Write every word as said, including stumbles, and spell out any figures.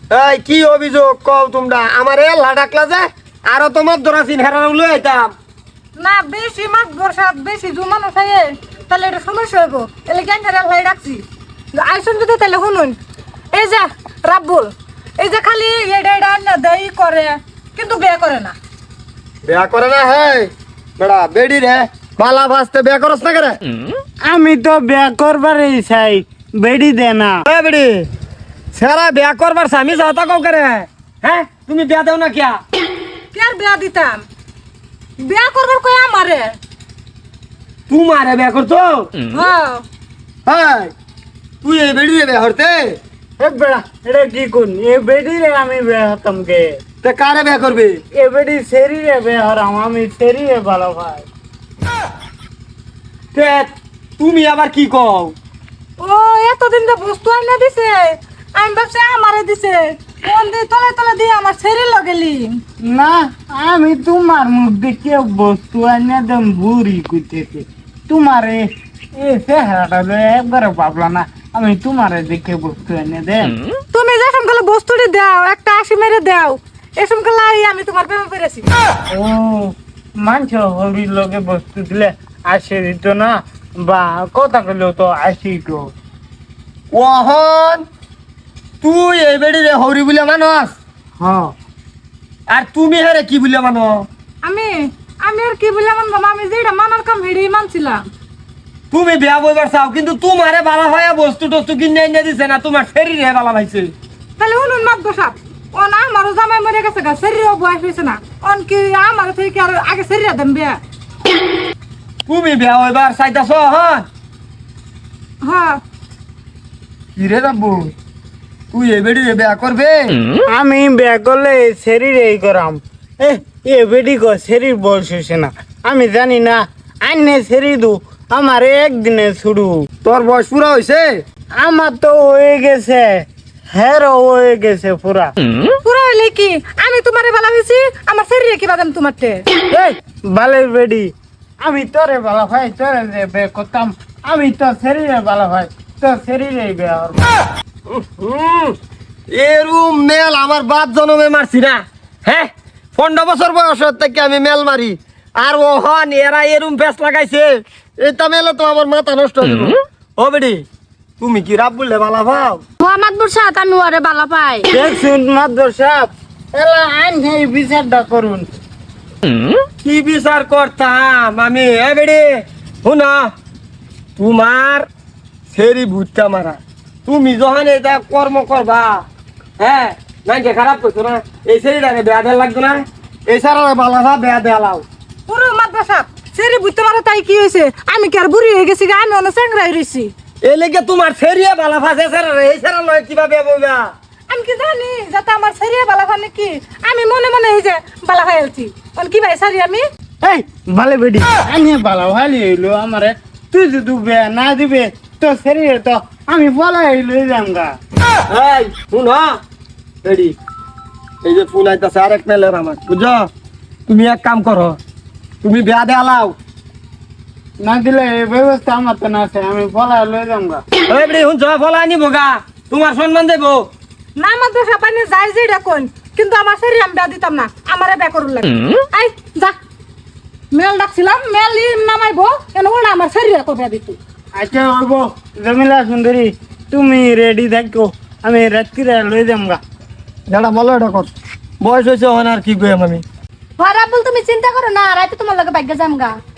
এই কি অভিযোগ কও তোমরা? আমারে এল্লা ডাকলা যে আরো তোমার দরাসিন হেরানো লই আইতাম না বেশি মাছ বর্ষা বেশি জুমানো থাকে তাহলে এটা সমস্যা হইব। এলে কেন হেরা লাই রাখছি আইসুন যদি তাহলে শুনুন। এই যে রাব্বুল এই যে খালি এটা এটা না দেই করে কিন্তু বিয়ে করে না। বিয়া করে না? হে বেড়া বেডি রে বালা ভাসতে বিয়া করছ না করে? আমি তো বিয়া করবারই চাই, বেড়ি দে না। এ বেডি সারা বিয়া করবার স্বামী যাতা কও করে? হ্যাঁ তুমি বিয়া দাও না কিয়া? কে আর বিয়া দিতাম? বিয়া করবার কই আমারে। তোমারে বিয়া করতো? হ্যাঁ হ্যাঁ তুই এই বেডি রে বিয়া হরতে? এ বেড়া এটা কি কোন এ বেড়ি রে আমি বিয়া হতাম কে? তে কারে বিয়া করবে? এ বেড়ি সেরি রে বিয়া হরাম, আমি সেরি রে ভালো ভাই। তে তুমি আবার কি কও? ও এতদিন যে বস্তু আইনা দিছে আমি ভাবছি আমারে দিছে কোন দি তলে তলে দিয়ে আমার শরীর লগেলি। না আমি তোমার মুখ দেখে বস্তু আনিয়া দেম বুড়ি কুইতেছে। তোমারে এ চেহারাটা একবারে ভাবলা না, আমি তোমারে দেখে বস্তু আনিয়া দেম। তুমি যে সমকালে বস্তুটি দাও একটা আশি মেরে দাও এ সমকালে আমি তোমার প্রেমে পেরেছি। ও মানছ হরির লগে বস্তু দিলে আসে দিত না, বা কথা কইলেও তো আসি তো। ওহন তুই এই বেডি রে হরি বলে মানস? হ্যাঁ আর তুমি হেরে কি বলে মানো? আমি আমি আর কি বললাম বাবা, আমি যেটা মানার কাম হেডেই মানছিলাম। তুমি বিয়া বইবার চাও কিন্তু তোমারে বালা ভাইয়া বস্তু টস্তু কিনে এনে দিছে না, তোমার শরীরে বালা ভাইছে। তাহলে শুনুন মাত বসাব ও না আমারও জামাই মরে গেছে গা শরীরও বয়স হয়েছে না অন কি আমার থেকে আর আগে শরীরে দেন বিয়া। তুমি বিয়া হইবার চাইতাছ? হ্যাঁ হ্যাঁ কি রে রাব্বু তুই এই বেডি রে বিয়া করবে? আমি বিয়া করলে শরীর এই করাম। এ এ বেডি গো শরীর বয়স হয়েছে না, আমি জানি না। আইনে শরীর দু আমার একদিনে ছুড়ু। তোর বয়স পুরা হইছে? আমার তো হয়ে গেছে, হেরো হয়ে গেছে পুরা। পুরো হইলে কি আমি তোমারে ভালো হয়েছি আমার শরীরে কি বাদাম তোমারতে? এই বালের বেডি আমি তোরে ভালো ভাই, তোরে যে বে করতাম আমি তো শরীরে ভালো ভাই, তোর শরীরে বিয়া হব। হুম এরুম মেল আমার বাপ জন্মে মারছি না। হ্যাঁ পনেরো বছর বয়স থেকে আমি মেল মারি আর ওহন এরা এরুম ফেস লাগাইছে এটা মেলে তো আমার মাথা নষ্ট হয়ে গেল। ও বেডি তুমি কি রাব বললে বালা ভাও? মোহাম্মদ বুরসাদ আমি ওরে ভালো পাই। দেখুন মাদর সাহেব এলা আইন এই বিচারটা করুন। কি বিচার করতাম আমি? এ বেডি শুনা তোমার সেরি ভুট্টা মারা তুমি যখন এটা কর্ম করবা হ্যাঁ নাকি খারাপ করছো না? এই সেরিটাকে বেয়া দেওয়া লাগতো না? এই সারা বালা ভা বেয়া দেয়া লাও। পুরো মাত বসাব সেরি বুঝতে পারো তাই কি হয়েছে? আমি কি আর বুড়ি হয়ে গেছি গা? আমি অনেক চ্যাংরা হয়ে রয়েছি। এই লেগে তোমার সেরিয়ে বালা ভাসে সারা এই সারা নয় কিভাবে বইবা? আমি কি জানি যাতে আমার শরীরে বালা হয় নাকি? আমি মনে মনে এই যে বালা হয়ে আছি কি ভাই সারি আমি এই ভালো বেডি আমি ভালো ভালো হইলো আমারে, তুই যদি বিয়া না দিবে তো শরীরে তো আমি বলা হইলো যামগা। এই শুন হ্যাঁ রেডি এই যে ফোন আইতাছে আরেক মেলের আমার বুঝছো? তুমি এক কাম করো তুমি বেয়া দেয়া লাও। না দিলে এই ব্যবস্থা আমার তো না আছে, আমি বলা লই যামগা। এই বেডি শুনছ ফলা আনিব গা তোমার সম্মান দেব না আমার দোষা পাইনি যাই যে ডাকুন কিন্তু আমার শরীরে আমি বিয়া দিতাম না, আমারে বিয়া করুন লাগে। আই যা মেল ডাকছিলাম মেল নামাইবো কেন ওরা আমার শরীরে কো বিয়া দিত। আচ্ছা হইব জমিলা সুন্দরী তুমি রেডি থাকো, আমি রাত্রিরে লই যামগা। দাঁড়া বলো এটা কর বয়স হয়েছে ওখানে আর কি কইম আমি? রাব্বুল তুমি চিন্তা করো না রাতে তোমার লগে ভাগ্য যামগা।